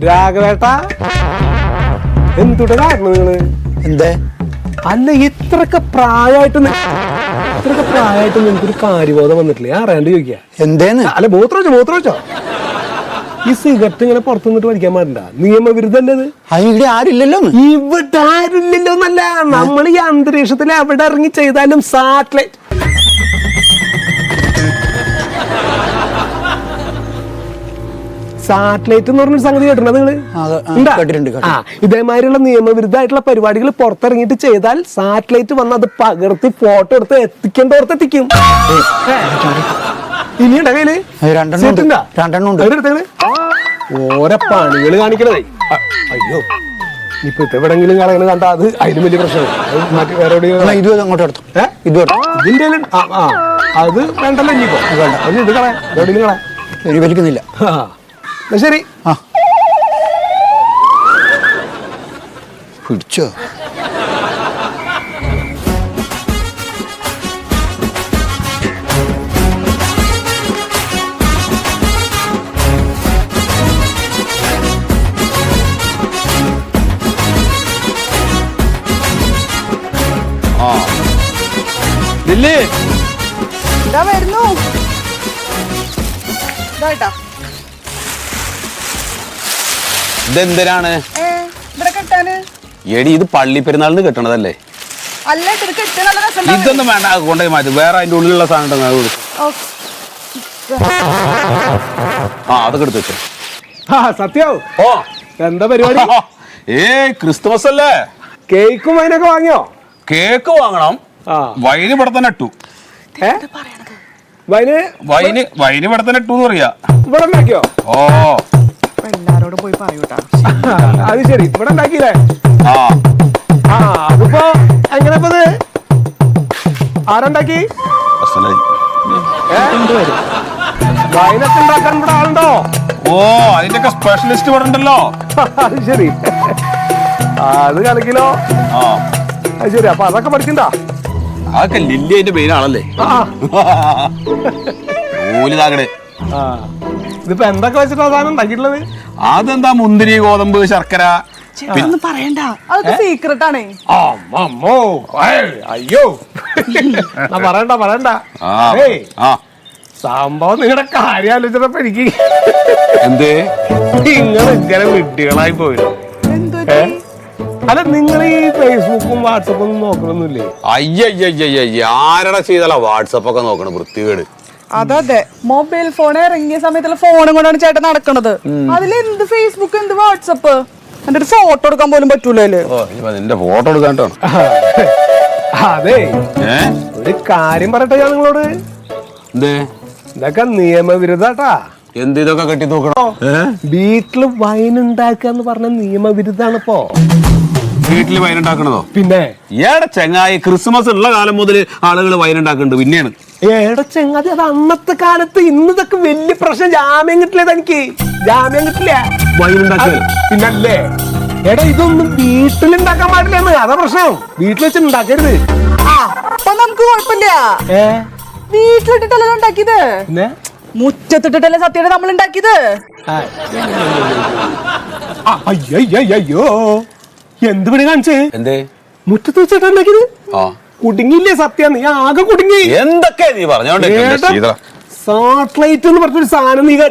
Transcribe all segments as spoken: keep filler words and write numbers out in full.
രാഘവേട്ട എന്തുടെ കാരണം നിങ്ങള് എന്തേ അല്ല ഇത്രയൊക്കെ പ്രായമായിട്ട് ഇത്രയൊക്കെ പ്രായമായിട്ട് നിനക്കൊരു കാര്യബോധം വന്നിട്ടില്ലേ അറിയാണ്ട് ചോദിക്കാ എന്തേന്ന് അല്ല മൂത്ര വെച്ചോ മൂത്ര വെച്ചോ ഈ സിഗരറ്റ് ഇങ്ങനെ പുറത്തു നിന്നിട്ട് വലിക്കാൻ പാടില്ല നിയമവിരുദ്ധല്ലേ ഇത് ഇവിടെ ആരില്ലല്ലോ ഇവിടെ ആരില്ലല്ലോ എന്നല്ല നമ്മൾ ഈ അന്തരീക്ഷത്തിൽ എവിടെ ഇറങ്ങി ചെയ്താലും സാറ്റലൈറ്റ് സാറ്റലൈറ്റ് എന്ന് പറഞ്ഞൊരു സംഗതി കേട്ടിട്ടുണ്ടോ നിങ്ങള് ആ ഇതേമാതിരിയുള്ള നിയമവിരുദ്ധമായിട്ടുള്ള പരിപാടികൾ പുറത്തിറങ്ങിയിട്ട് ചെയ്താൽ സാറ്റലൈറ്റ് വന്ന് അത് പകർത്തി ഫോട്ടോ എടുത്ത് എത്തിക്കേണ്ടോർത്ത് എത്തിക്കും ഇനിയുണ്ട കയ്യില് ഓരോ പണികള് കാണിക്കണതേ അയ്യോ ഇപ്പൊ എവിടെങ്കിലും കളയണ കണ്ടാ അത് അതിന് വലിയ പ്രശ്നമാണ് മറ്റു വേറെ അങ്ങോട്ട് എടുത്തു ഇതിന്റെ ആ അത് വേണ്ടല്ലോ ഇനിയിപ്പോ വേണ്ട അത് ഇത് കളയാം എവിടെയും കളയാം വലിക്കുന്നില്ല ശരി ആ പിടിച്ചോ ദില്ലി ഇതാ വരുന്നു ഇതായിട്ടാ ഇതെന്തിനാണ് എടി ഇത് പള്ളി പെരുന്നാളിന് കെട്ടണതല്ലേ ഇതൊന്നും വേണ്ട കൊണ്ടുപോയി മാറ്റി വേറെ അതിന്റെ ഉള്ളിലുള്ള സാധനം ആ അതൊക്കെ എടുത്ത് വെച്ചോ സത്യാവും ഓ എന്താ പരിപാടി ഏ ക്രിസ്തുമസ് അല്ലേ കേക്കും വൈനൊക്കെ വാങ്ങിയോ കേക്ക് വാങ്ങണം വൈന് ഇവിടെ തന്നെ ഇട്ടു വൈന് വൈന് വൈന് ഇവിടെ തന്നെ ഇട്ടു എന്ന് പറയാ ഇവിടെ ഉണ്ടാക്കിയോ ഓ എല്ലാരോടും പോയി പറയൂട്ടാ അത് ശരി ഇവിടെ ഉണ്ടാക്കിയില്ലേ ആ ആ അതിപ്പോ എങ്ങനെ ആരുണ്ടാക്കി വൈനൊക്കെ ഉണ്ടാക്കാൻ ഇവിടെ ആളുണ്ടോ ഓ അതിന്റെ സ്പെഷ്യലിസ്റ്റ് ഇവിടെ ഉണ്ടല്ലോ അത് ശരി അത് കളിക്കിലോ ആ അത് ശരി അപ്പൊ അതൊക്കെ പഠിക്കണ്ട അതൊക്കെ ലില്ലി അതിന്റെ മെയിനാണല്ലേ ഓലിതാകടെ ഇതിപ്പോ എന്തൊക്കെ വെച്ചിട്ടാ സാധനം ഉണ്ടാക്കിയിട്ടുള്ളത് അതെന്താ മുന്തിരി ഗോതമ്പ് ശർക്കര പറയണ്ട അതൊക്കെ സീക്രട്ട് ആണേ അയ്യോ പറയണ്ട പറയണ്ട സംഭവം നിങ്ങളുടെ കാര്യം ആലോചിച്ചപ്പോ എനിക്ക് എന്തേ നിങ്ങൾ ഇങ്ങനെ വിഡ്ഢികളായി പോയില്ലോ അല്ല നിങ്ങൾ ഈ ഫേസ്ബുക്കും വാട്സപ്പും ഒന്നും നോക്കണൊന്നുമില്ലേ അയ്യയ്യയ്യ ആരടാ ചെയ്താലാ വാട്സപ്പ് ഒക്കെ നോക്കണം വൃത്തികേട് അതെ മൊബൈൽ ഫോൺ ഇറങ്ങിയ സമയത്തുള്ള ഫോണും കൊണ്ടാണ് ചേട്ടൻ നടക്കണത് അതിലെന്ത് ഫേസ്ബുക്ക് എന്ത് വാട്സപ്പ് എന്റെ ഒരു ഫോട്ടോ എടുക്കാൻ പോലും പറ്റൂലല്ലേ നിന്റെ ഫോട്ടോ എടുക്കാട്ടോ അതെ ഒരു കാര്യം പറയട്ടെ ഞാൻ നിങ്ങളോട് എന്തേ ഇതൊക്കെ നിയമവിരുദ്ധാട്ടാ എന്ത് ഇതൊക്കെ കെട്ടി നോക്കണോ വീട്ടില് വൈൻ ഉണ്ടാക്കാന്ന് പറഞ്ഞ നിയമവിരുദ്ധാണ് ഇപ്പോ വീട്ടില് വൈൻ ഉണ്ടാക്കണതോ പിന്നെ ഏടെ ചെങ്ങായി ക്രിസ്മസ് ഉള്ള കാലം മുതൽ ആളുകൾ വൈൻ ഉണ്ടാക്കുന്നുണ്ട് പിന്നെയാണ് ഏടെ ചെങ്ങാതി അത് അന്നത്തെ കാലത്ത് ഇന്നതൊക്കെ വലിയ പ്രശ്നം ജാമ്യം കിട്ടില്ല തനിക്ക് ജാമ്യം കിട്ടില്ല വൈൻ ഉണ്ടാക്കുക പിന്നല്ലേ എടാ ഇതൊന്നും വീട്ടിലുണ്ടാക്കാൻ പാടില്ലെന്ന് അതാ പ്രശ്നം വീട്ടിൽ വെച്ച് ഉണ്ടാക്കരുത് അപ്പൊ നമുക്ക് കുഴപ്പമില്ല ഏ വീട്ടിലിട്ടിട്ടല്ലോ ഉണ്ടാക്കിയത് പിന്നെ മുറ്റത്തിട്ടിട്ടല്ലേ സത്യയുടെ നമ്മൾ ഉണ്ടാക്കിയത് അയ്യോ എന്ത് പണി കാണിച്ചേ എന്തേ മുറ്റത്ത് വെച്ചിട്ടാ ഉണ്ടാക്കിയത് കുടുങ്ങിയില്ലേ സത്യം നീ ആകെ കുടുങ്ങി എന്തൊക്കെ നീ പറഞ്ഞോണ്ട് സാറ്റലൈറ്റ് എന്ന് പറഞ്ഞൊരു സാധനം നീ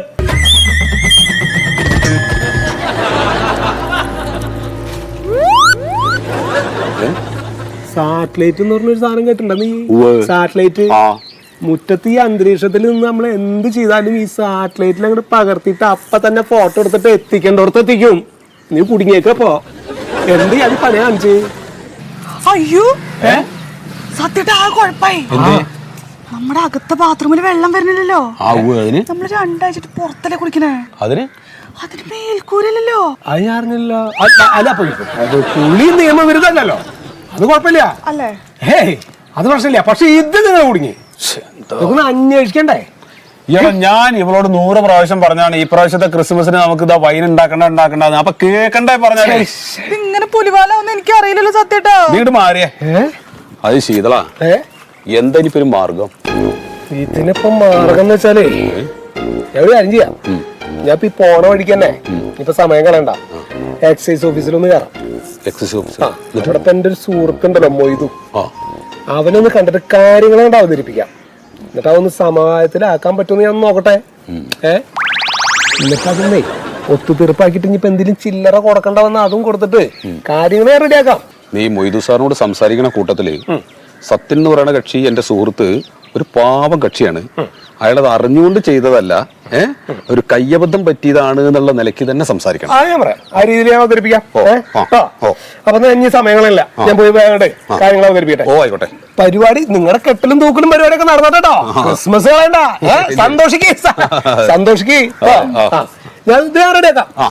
സാറ്റലൈറ്റ് എന്ന് പറഞ്ഞൊരു സാധനം കേട്ടിട്ടുണ്ടോ നീ സാറ്റലൈറ്റ് മുറ്റത്ത് ഈ അന്തരീക്ഷത്തിൽ നിന്ന് നമ്മൾ എന്ത് ചെയ്താലും ഈ സാറ്റലൈറ്റിൽ അങ്ങോട്ട് പകർത്തിയിട്ട് അപ്പൊ തന്നെ ഫോട്ടോ എടുത്തിട്ട് എത്തിക്കേണ്ടോടത്ത് എത്തിക്കും നീ കുടുങ്ങിയേക്കപ്പോ എന്ത് അത് പണി കാണിച്ച് അയ്യോ സത്യത്തെ ആ കുഴപ്പായി നമ്മുടെ അകത്തെ ബാത്റൂമിൽ വെള്ളം വരുന്നില്ലല്ലോ നമ്മള് രണ്ടാഴ്ച പുറത്തല്ലേ കുടിക്കണേ അതിന് അതിന് മേൽക്കൂരല്ലോ അത് ഞാൻ അറിഞ്ഞല്ലോ അല്ല പുള്ളി നിയമവിരുദ്ധല്ലോ അത് കുഴപ്പമില്ല അല്ലേ ഏയ് അത് പ്രശ്നമില്ല പക്ഷെ ഇത് നിങ്ങൾ കുടുങ്ങി ഇതൊന്ന് അന്വേഷിക്കണ്ടേ ഞാൻ ഇവളോട് നൂറ് പ്രാവശ്യം പറഞ്ഞാണ് ഈ പ്രാവശ്യത്തെ ക്രിസ്മസിന് നമുക്ക് ഇതാ വൈൻ ഉണ്ടാക്കണ്ട ഉണ്ടാക്കണ്ട അപ്പൊ കേക്കണ്ടേ പറഞ്ഞാലേ ഇങ്ങനെ പുലിവാലാവൊന്നും എനിക്ക് അറിയില്ലല്ലോ സത്യട്ടോ വീട് മാറിയേ അത് ശീതള എന്താ ഇനിയിപ്പോ ഒരു മാർഗം ഇതിനിപ്പം മാർഗം എന്ന് വെച്ചാലേ എവിടെ കാര്യം ചെയ്യാം ഞാൻ ഇപ്പൊ ഈ പോണ വഴിക്ക് തന്നെ ഇപ്പൊ സമയം കളയണ്ട എക്സൈസ് ഓഫീസിലൊന്ന് കയറാം. Excise officer. ആ ഇവിടെ ഇപ്പൊ എന്റെ ഒരു സുഹൃത്തുണ്ടല്ലോ മൊയ്തു, ആ അവനൊന്ന് കണ്ടിട്ട് കാര്യങ്ങൾ കൊണ്ട് അവതരിപ്പിക്കാം. എന്നിട്ട് അതൊന്ന് സമാധാനത്തിലാക്കാൻ പറ്റുമെന്ന് ഞാൻ നോക്കട്ടെ. ഏ എന്നിട്ട് അതൊന്നേ ഒത്തുതീർപ്പാക്കിട്ട് ഇനിയിപ്പോ എന്തെങ്കിലും ചില്ലറ കൊടുക്കണ്ട വന്ന അതും കൊടുത്തിട്ട് കാര്യങ്ങളെ റെഡിയാക്കാം. നീ മൊയ്തു സാറിനോട് സംസാരിക്കണ കൂട്ടത്തില് സത്യൻ എന്ന് പറയുന്ന കക്ഷി എന്റെ സുഹൃത്ത് ഒരു പാവം കക്ഷിയാണ്. അയാളത് അറിഞ്ഞുകൊണ്ട് ചെയ്തതല്ല, ഏഹ് ഒരു കയ്യബദ്ധം പറ്റിയതാണ് എന്നുള്ള നിലയ്ക്ക് തന്നെ സംസാരിക്കണം. ആ ഞാൻ പറയാം, ആ രീതിയിൽ ഞാൻ അവതരിപ്പിക്കാം. ഓ, ഏ? ആ, ആ. ഓ. അപ്പൊ ഇനി സമയങ്ങളില്ല, ഞാൻ പോയി വേഗം കാര്യങ്ങൾ അവതരിപ്പിക്കട്ടെ. ഓ ആയിക്കോട്ടെ. പരിപാടി നിങ്ങളുടെ കെട്ടലും തൂക്കലും പരിപാടിയൊക്കെ നടന്നോട്ടോ. ക്രിസ്മസ് കളയണ്ട, സന്തോഷിക്കേ സന്തോഷിക്കേ. ഞാൻ ഇത് റെഡിയാക്കാം.